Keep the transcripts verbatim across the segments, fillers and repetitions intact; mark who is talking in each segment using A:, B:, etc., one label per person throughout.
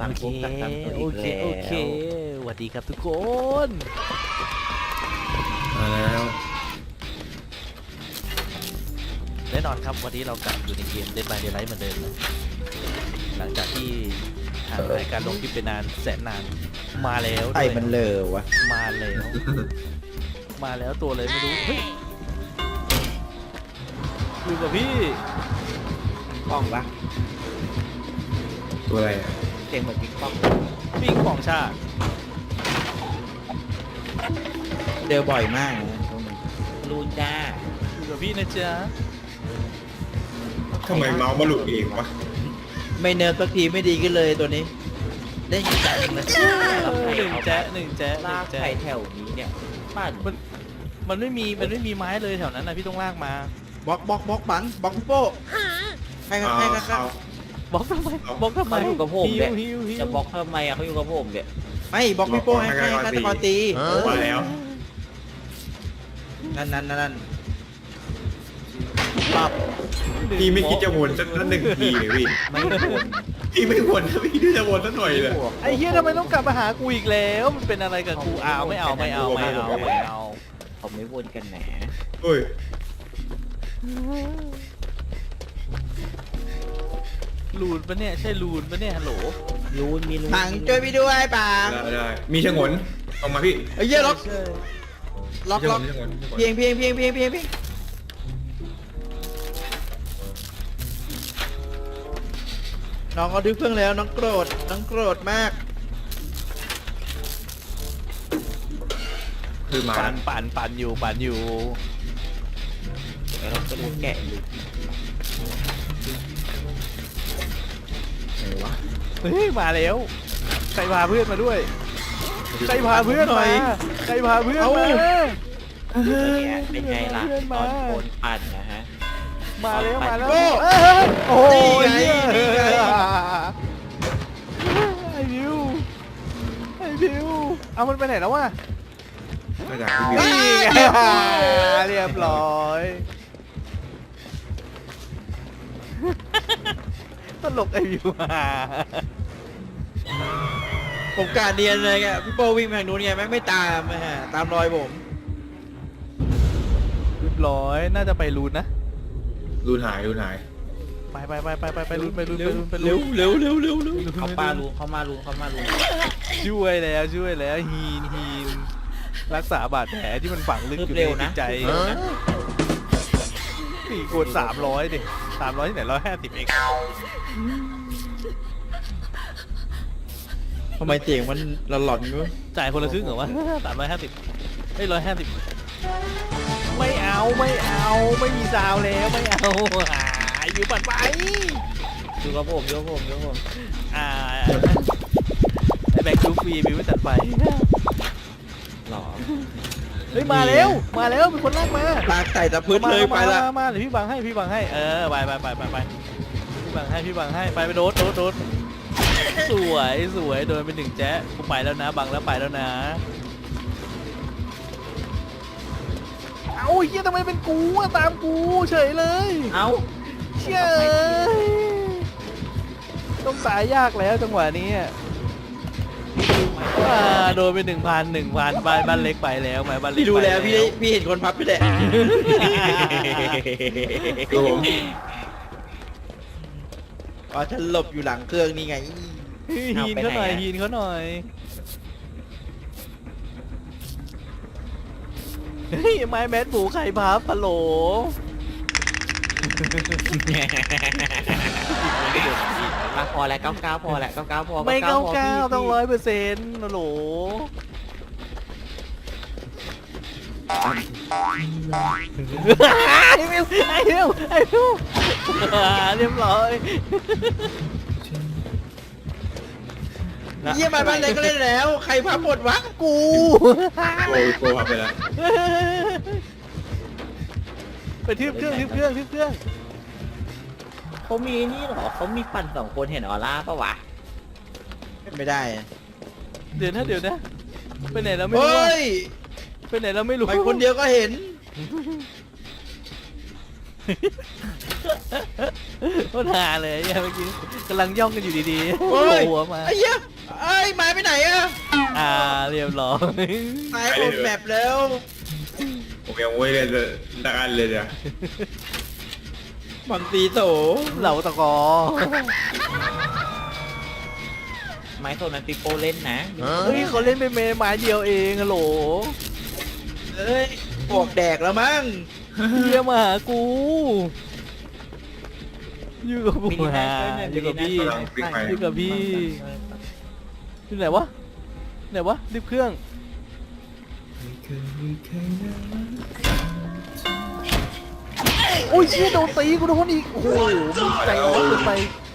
A: สั่ง
B: โอเค
A: ปุ๊บสั่งตัว
B: โอ
A: อีก
B: เค
A: แล้ว
B: โอเคสวัสดีครับทุกคน
C: มาแล้ว
B: แน่นอนครับวันนี้เรากลับอยู่ในเกม Dead by Daylight เหมือนเดิมนะหลังจากที่ห่างหายการลงคลิปไปนานแสนนานมาแล้ว
A: ไอ้
B: ด้วย
A: มันเลอวะ
B: มาแล้ว มาแล้วตัวเลยไม่รู้เฮ้ยอยู่กับพี่
A: ป้องปะ
C: ตัวอะไรอ่ะ
A: เสียงเหมือนปิ๊งป้อง
B: ปิ้งของชาติ
A: เจอบ่อยมากนะพวกนี้รูนจ้า
B: อยู่กับพี่นะจ๊ะ
C: ทำไมเมาส์มาหลุดเองวะ
A: ไม่เนิร์ฟสักทีไม่ดีขึ้นเลยตัวนี้เล่นกี่แต่เลย
B: หนึ่งแจ๊ะหนึ่งแจ๊ะห
A: ลา
B: นึ่
A: ก
B: งแจ๊ะ
A: ไข่แถวนี้เนี่ยปั้น
B: มันมันไม่มีมันไม่มีไม้เลยแถวนั้นนะพี่ต้องลากมา
A: บล็อกบล็อกบล็อกบังบล็อกพี่โป้ใครครับใครครับใคร
C: เอา
B: บล็อกทำไมบล็อกทำไม
D: เขาอยู่กับผม
B: ฮิ
D: เนี่
B: วย ฮิวฮิว
D: จะบล็อกทำไมอ่ะเขาอยู่กับผมเนี่ย
A: ไม่บล็อกพี่โป้ให้ให้ฆาตกรตี
C: มาแล้ว
A: นั่นนั่นนั่น
B: ปับ
C: พี่ไม่คิดจะวนสักหนึ่งทีเลยพี่
A: ไม่ควร
C: พี่ไม่วนนะพี่ดูจะวนสักหน่อยเลย
B: ไอ้เฮียทำไมต้องกลับมาหากูอีกแล้วมันเป็นอะไรกับกูอ้าวไม่เอาไม่เอาไม่เอาไม่เอา
D: เขาไม่วนกันแหน
C: เฮ้ย
B: ลูนปะเนี่ยใช่ลูนปะเนี่ยฮัลโหล
D: รูนมีรูน
A: ปังช่วยพี่ด้วยปัง
C: ได้ได้มีชะงนออกมาพี่
A: ไอ้เหี้ยล็อก
B: ใช่
A: ล็อก
C: มี
A: ล็อก
C: ชะงนมีชะงน
A: เพียงเพียงเพียงเพียงเพียงเพียงน้องเอาดึงเครื่องแล้วน้องโกรธน้องโกรธมาก
C: คือมา
B: ปั่นปั่นปั่นอยู่ปั่นอยู่
D: แล้วเราก็ดูแกะอยู่
C: ไหนวะ
B: เฮ้ยมาแล้วใครพาเพื่อนมาด้วยใครพาเพื่อนมาใครพาเพื่อนมา
D: เนี่ยเป็นไงล่ะ
B: เพื่อน
D: ต
B: มา
D: อนโคนปั่นนะฮะ
B: มาแล้วมาแล้ว
A: โอ้
B: เอ้ยโอ้ย
A: นี่ไงนี่ไง
B: ไอ้บิวไอ้บิวเอามันไปไหนแล้ววะ
C: มาจากพี่บิว
B: นี่ไงเรียบร้อยตลกไอ้บิว
A: ผมกาเดียนเลยไงพี่โป้วิ่งไปทางนู้นไงแม่งไม่ตามนะฮะตามรอยผม
B: เรียบร้อยน่าจะไปรูนนะ
C: รูนหายรูนหาย
B: ไปไปไปไปไปไปรูนไปรูนไป
A: เร็ว
B: รูนไป
A: เร็
B: รู
A: วน เร็วเร็วเร็วเร็ว
D: เขาปารูนเขามารูนเขามารูน
B: ช่วยแล้วช่วยแล้วฮีนฮีนรักษาบาดแผลที่มันฝังลึกอยู่ในจิตใจสี่คูณสามร้อยดิสามร้อยที่ไหนร้อยห้าสิบเอง
A: ทำไมเสียงมันหลอนๆอยู่
B: จ่ายคนละครึ่งเหรอวะสามร้อยห้าสิบเฮ้ยร้อยห้าสิบไม่เอาไม่เอาไม่มีซาวแล้วไม่เอาหาอยู่ปัดไป
D: อยู่กับผมอยู่กับผมอยู่กับผม
B: อ่าไอแบงค์ดูฟรีบิวไม่จัดไป
D: หล่อ
B: เฮ้ยมาแล้วมาแล้วมีคนลากมา
A: ตาใส่ตะพื้นเลยไปละ
B: มามามาเดี๋ยวพี่บังให้พี่บังให้เออไปไปไปไปไปพี่บังให้พี่บังให้ไปไปโดดโดดโดดสวยสวยโดนเป็นหนึ่งแจ๊ะกูไปแล้วนะบังแล้วไปแล้วนะเอาเฮียทำไมเป็นกูอะตามกูเฉยเลย
D: เอ้า
B: เชี่ยต้องตายยากแล้วจังหวะนี้อ่าโดนไปหนึ่งพันหนึ่งพันบ้านบ้านเล็กไปแล้วไหมบ้านเล็ก
A: พี่ดูแล้ว
B: ไป
A: พี่ได้พี่เห็นคนพับพี่แหละ
C: ดูผม
A: อ๋อฉันหลบอยู่หลังเครื่องนี่ไง
B: ฮีนเขาหน่อยฮีนเขาหน่อยเฮ้ยไม้แมสหมูไข่พับปะโหล
D: อ่ะพอแล้วเก้าเก้าพอแล้วเก้าเก้าพอ
B: ไม่เก้า
D: พ
B: เก้า
D: พี่
B: ต้องร้อยเปอร์เซ็นต์โหลไอ้มิวไอ้มิวไอ้มิวเรียบร้อย
A: เยี่ยมมาบ้านเล็กก็เล่นแล้ว ใครพับหมดวะ
B: กู
C: โอ้ยโกลับไปแล้ว
B: ไปทึบเครื่องทึบเครื่องทึบเครื่อง
D: เขามีนี่เหรอเขามีปั่นสองคนเห็นออร่าปะวะ
A: ไม่ได้
B: เดี๋ยวนะเดี๋ยวนะไปไหนแล้วไม่
A: เฮ้
B: รู้อะ
A: ย
B: ไปไหนแล้วไม่รู้
A: ไปคนเดียวก็เห็น
B: ก็หาเลยเนี่ยเมื่อกี้กำลังย่องกันอยู่ดีๆ
A: โอ้ย
B: หัวมา
A: ไอ้เหี้ยไอ้ยไม้ไปไหนอะ
B: อ่าเรียบร้อย
A: ไม้โดนแมปแล้ว
C: ผมยังไม่เล่นเลยละกันเลยเนี่ย
A: บังตีโต
B: เหล่าตะกอ
D: ไม้โซนนั้นปิโป้เล่นนะ
B: เฮ้ยเขาเล่นเป็นเมย์ไม้เดียวเองฮัลโหล
A: เอ้ยปวกแดกแล้วมั้ง
B: เฮียมาหากูอยู่กับกู
D: มินิ
B: ฮะ
D: แมน
B: อยู่กับพี่
C: กำลังวิ่งไป
B: อยู่กับพี่อยู่ไหนวะไหนวะรีบเครื่องโอ้ยเชี่ยโดนตีกูโดนอีกโอ้โหมึงใจร้อนเกินไป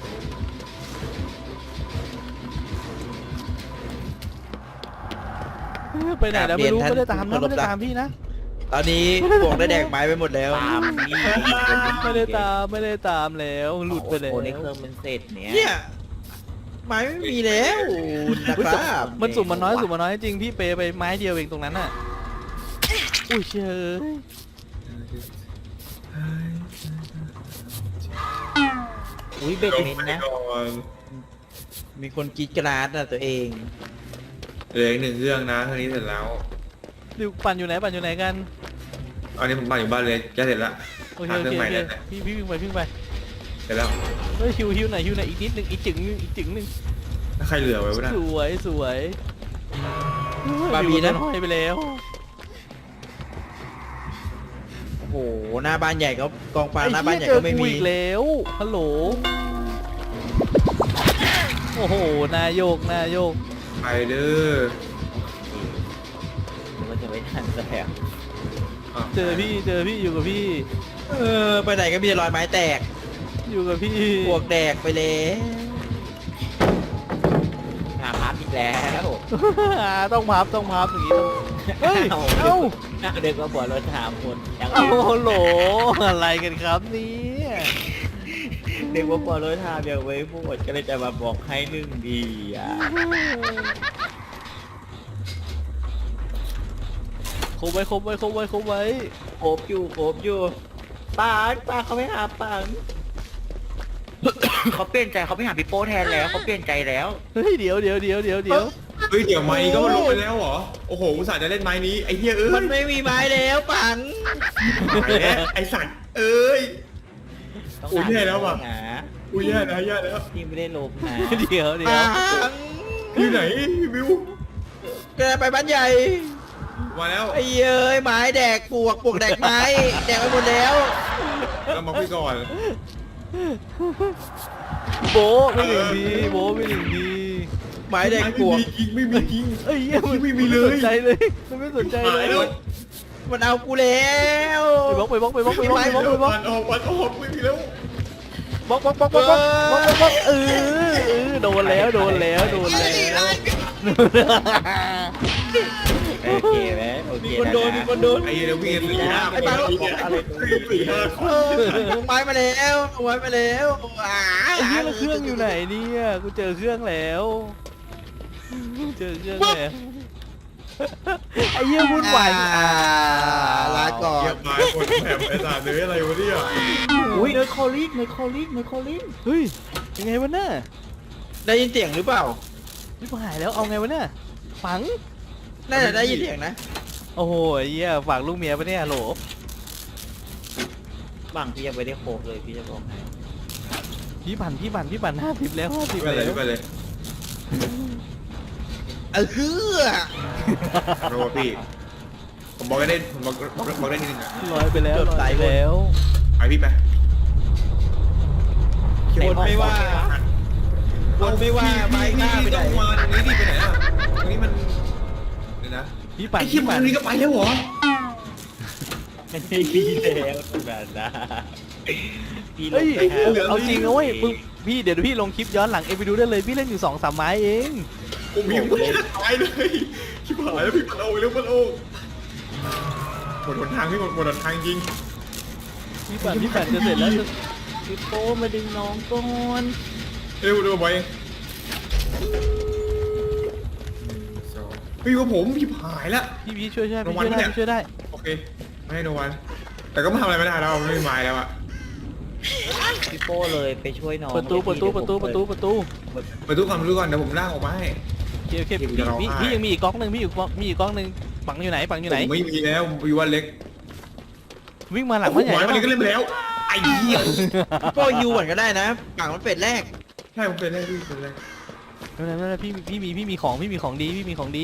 B: ไปไหนแล้วไม่รู้ไม่ได้ตามนะไม่ได้ตามพี่นะ
A: ตอนนี้ปวกได้แดกไม้ไปหมดแล้ว
D: ตามนี่
B: ไม่ได้ตามไม่ได้ตามแล้วหลุดไปแล้ว
D: โอ้ในเครื่องมันเสร็จเนี่ย
A: เนี่ยไม้ไม่มีแล้วนะครับ
B: มันสุ่มมันน้อยสุ่มมันน้อยจริงพี่เปไปไม้เดียวเองตรงนั้นน่ะอุ้ยเชย
D: อุ้ยเบ็ดเมนนะ
C: ก่อน
A: มีคนกรีดกราดนะตัวเอง
C: เหลืออีกหนึ่งเครื่องนะเครื่องนี้เสร็จแล้ว
B: ดิวปั่นอยู่ไหนปั่นอยู่ไหนกัน
C: อันนี้ผมมาอยู่บ้านเลยจะเสร็จละ
B: โอเค
C: หา
B: โอ
C: เครื่อ
B: เค
C: งใหม่
B: โอเค
C: แล้วเนี่ย
B: พี่พี่วิ่งไปวิ่งไป
C: เสร็จแล้ว
B: เฮ้ยฮิวฮิวหน่อยฮิวหน่อยอีกนิดนึงอีกจึงนึงอีกจึงนึง
C: ถ้าใครเหลือไว้วะนะ
B: สวยสวย
A: บาร์บีนะ
B: ห้อยไปแล้ว
A: โอ้โหหน้าบ้านใหญ่ก็กองฟาง
B: ไอ้
A: หน้าบ้านใหญ่
B: เหี้ยเจ
A: ก็
B: อ
A: ไม่
B: กู
A: มี
B: อีกแล้วฮัลโหลโอ้โหนายโยกนายโยก
C: ไปเด้อ
D: มันจะไม่ทันแล้ว
C: อ่ะ
B: เจอพี่เจอพี่อยู่กับพี่
A: เออไปไหนก็มีแต่รอยไม้แตก
B: อยู่กับพี่
A: ปวกแดกไปเลย
D: หาพับอีกแล้ว
B: อ่าต้องพับต้องพับอย่างนี้ต้องเฮ้ยเอ้า
D: เด็กมาบอกเราถามคนยัง
B: โอ้โหอะไรกันครับเนี่ย
D: เด็กมาบอกเราถามยังไว้พูดก็เลยจะมาบอกให้หนึ่งดีอ่ะ
B: ครบไว้ครบไว้ครบไว้ครบไว้
D: โคบอยู่โคบอยู่ปังปังเขาไม่หาปัง เขาเปลี่ยนใจเขาไปหาพี่โป้แทนแล้วเขาเปลี่ยนใจแล้ว
B: เฮ้ยเดี๋ยวเดี๋ยวเดี๋ยวเดี๋ยวเดี๋ยว
C: เฮ้ยเดี๋ยวไม้นี้ก็มาลงไปแล้วเหรอโอ้โหอุตส่าห์จะเล่นไม้นี้ไอ้เหี้ยเอ้
A: มัน
C: ย
A: ไม่มีไม้แล้วปัง
C: หายแล้วไอ้สัตว์เอ้ย
D: ต้อง
C: อุ๊ยแย่แล้วว่ะ
D: นะ
C: อุ้ยแย่แล้วแย่แล้ว
D: ที่ไม่ได้ลบนะ
B: เดี๋ยวเดี๋ยว
A: ปัง
C: อยู่ไหนวิว
A: แกไปบ้านใหญ่
C: มาแล้ว
A: ไอ้เอ้ยไม้แดกปวกปวกแดกไม้แดกไปหมดแล้ว
C: เรามาคุยก่อน
B: โบ๊ะไม่หนึ่งทีโบ๊ะไม่หนึ่งที
A: ไม้แดก
C: ไม่
A: ปวก
C: มีจริงไม่มีจริง
B: เอ้ยเหี้ยมัน
C: ไม่มีเลย
B: นสนใจเลยมันไม่สนใจเล
C: หาย
B: ย
C: แล้ว
A: มันเอากูแล้ว
B: ไปบล็อกไปบล็อกไปบล็อกไปบล็อกไปบล็อกไปบล็อก
C: วันออกวันออกไม่มีแล้ว
B: บล็อกบล็อกบล็อกบล็อกบล็อกบล็อกบล็อกเออเออโดนแล้วโดนแล้วโดนแล้ว
D: โอเคไหมโอเค
A: มีคนโดนมีคนโดน
C: ไอ้เหี้ยวิ่งกันสี่ห้า
A: ไอ้บ้า
C: อะไรสี่ห้าค
A: เอน อลงไม้มาแล้วลงไม้มาแล้วอ่า
B: ไอ้เหี้ยแล้วเครื่องอยู่ไหนเนี่ยกูเจอเครื่องแล้วเจอเครื่องแล้วไอ้เหี้ยวุ่นวายอ่า
A: ลาก่อ
C: เกีย
A: น
C: บไม้คนแถบไอ้สัตว์เลยอะไรวะเนี่ย
D: อุ้ยเนยคอลิกเนยคอลิกเนยคอลิก
B: เฮ้ยยังไงวะเนี่ย
A: ได้ยินเสียงหรือเปล่า
B: รีบหายแล้วเอาไงวะเนี่ยฝัง
A: น่าจะได้ยินเสียงนะ
B: โอ้โหไอ้เหี้ยฝากลูกเมียปะเนี่ยโหล
D: บังพี่ยังไม่ได้โคบเลยพี่จะบอกให้
B: พี่ปั่นพี่ปั่นพี่ปั่นห้าสิบแล้วห้าสิบ
C: ไปเลย
B: แล้ว
C: ไปเลย
A: เออคือ
C: โรพี่ผมบอกได้ผมบอกบอกได้นิดนึงอ่ะ
B: ลอยไปแล้วลอยไปแล้ว
C: ไปพี่ไป
A: คนไม่ว่าคนไม่ว่าไม้หน้าไปไหน
C: ต้องมาตรงนี้ดิไปไหนอ่ะตรงนี้มันเดี๋ยวนะ
B: พี่ปั่น
C: ไอ้ขี้
B: พี่
C: มัน
B: ปั่น
C: ตรงนี้ก็ไปแล้วเหรอ
D: ไม่ได้พี่แล้วแบบนะพี่ล
B: เฮ้
D: ง
B: ย
D: ไปหา
B: เอาจริงนะเว้ยมึงพี่เดี๋ยวพี่ลงคลิปย้อนหลังเอไปดูได้เลยพี่เล่นอยู่สองสามไม้เอง
C: ผมยังไม่ได้ตายเลยชิบหายแล้วพี่ปัดโอ้ยแล้วปัดโอ้หมดหนทางพี่หมดหมดหนทางจริง
B: พี่ปั่นพี่ปั่นจะเสร็จแล้วจะ
D: พี่โป้มาดึงน้องก่อน
C: เร็วดูไปพี่ว่าผมพี่หายแล้ว
B: พี่พี่ช่วยช่วย
C: ราง
B: พี่
C: วัล
B: ช่วยได้
C: เนี่ย
B: พี่ช่วยได้
C: โอเคไม่ให้โนวันแต่ก็ไม่ทำอะไรไม่ได้แล้วไม่มีไม้แล้วอะ
D: พี่โป้เลยไปช่วยน้อง
B: เปิดตู้เปิดตู้เปิดตู้เปิดตู้เปิดตู้
C: ไปทุกคนไปทุกคนเดี๋ยวผมลากออกมาให้
B: โอเคโอเค
C: เดี๋ยว
B: พี่
C: จะร้อง
B: พี่
C: ไห้
B: พี่ยังมีอีกกล้องหนึ่งพี่อยู่มีอีกกล้องหนึ่งปังอยู่ไหนปังอยู่ไหน
C: ผมไม่มีแล้ววิวันเล็ก
B: วิ่งมาหลัง
C: หั
B: บ้านใหญ่
C: วมัน
B: ปะ
C: ก็เล่นไปแล้วไอ้เหี้ย
A: พี่โป้ฮิวก่อนก็ได้นะฝั่งมันเป็ดแรก
C: ใช่ผมเป็นแรกพี่เป็นแรก
B: ไม่เป็นไรไม่เป็นไรพี่พี่มีพี่มีของพี่มีของดีพี่มีของดี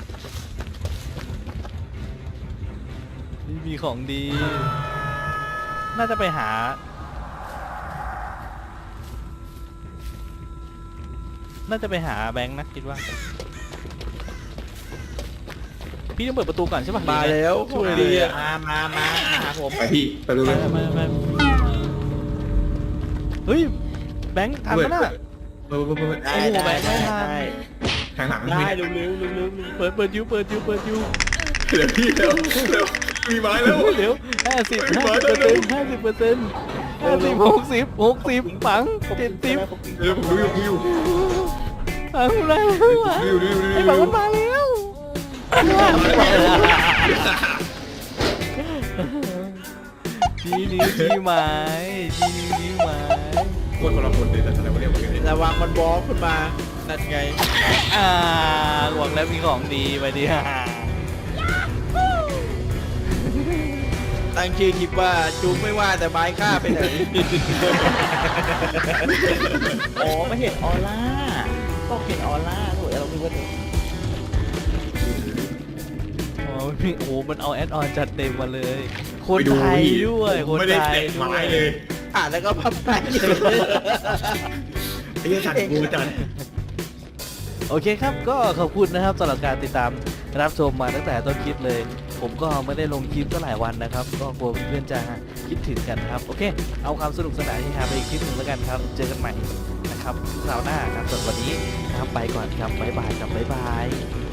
B: พี่มีของดี น่าจะไปหา น่าจะไปหาแบงค์นะคิดว่า พี่ต้องเปิดประตูก่อนใช่ปะ
A: มาแล้ว
B: ช่วย
A: ดี
B: ดี
A: อะ
B: อะ
D: มามามามาหาผม
C: ไปพี่ไปดู
B: ไป
C: เลย
B: ไปไปเฮ้ยแบงค์ทันปะน่ะ
C: เปิดเปิดเปิด
D: ได้
B: โอ้โห
D: ได้
B: แบงค์ไม่
D: ได้
B: ทัน
D: ได้
C: ทางหลัง
D: ได้
C: พี่
D: เร็วเร็วเร็วเร็ว
B: เปิดเปิดยูเปิดยูเปิดยู
C: เดี๋ยวพี่เร็วเร็วมีไม้แล้ว
B: เดี๋ยวห้าสิบ
C: เฮ้ย
B: ห้า
C: มา
B: สิบ
C: แล้
B: เปอ
C: ว
B: ร์เซ็นต์ห้าสิบเปอร์เซ็นต์ห้าสิบหกสิบหกสิบปังเจ็ดสิบ
C: เดี๋ยวผมดูอยู่ดูอยู่
B: ปังอะไรไม่ไหว
C: ดูอยู่ดูอยู่ดู
B: ไอ้
C: อ
B: ปัง
C: ยู่
B: มันมาแล้วทีนี้ทีไม้ทีนี้ทีไม้
C: คนคนละคนเลยแต่อะไรวะเนี่ยมันเนี่ย
A: ระวังมันบล็อกขึ้นมานั่นไง
B: อ่าหวังแล้วมีของดีไปดิฮะ
A: ตั้งชื่อคลิปว่าจูไม่ว่าแต่ไม้ฆ่าไปไหน
D: อ๋อไม่เห็นออร่าต้องเห็นออร่าโอ้ยเราคิดว่าเธอ
B: อ๋อพี่โอ้มันเอาแอดออนจัดเต็มมาเลย คน
C: ไปดู
B: ไทย
C: พี่
B: ด้วยคน
C: ไม่ได้
B: ไทย
C: เตะ
B: ด้ว
C: ไม้
B: ย
C: เลย
A: อ่านแล้วก็พับไป
C: ไอ้เหี้ยจัดกูจัด
B: โอเคครับ ก็ขอบคุณนะครับสำหรับการติดตามรับชมมาตั้งแต่ต้นคลิปเลย ผมก็ไม่ได้ลงคลิปก็หลายวันนะครับ ก็กลัวเพื่อนๆจะคิดถึงกันนะครับ โอเค เอาความสนุกสนานที่หาไปอีกคลิปหนึ่งแล้วกันครับ เจอกันใหม่นะครับคราวหน้าครับส่วนวันนี้นะครับไปก่อนครับบ๊ายบายครับบ๊ายบาย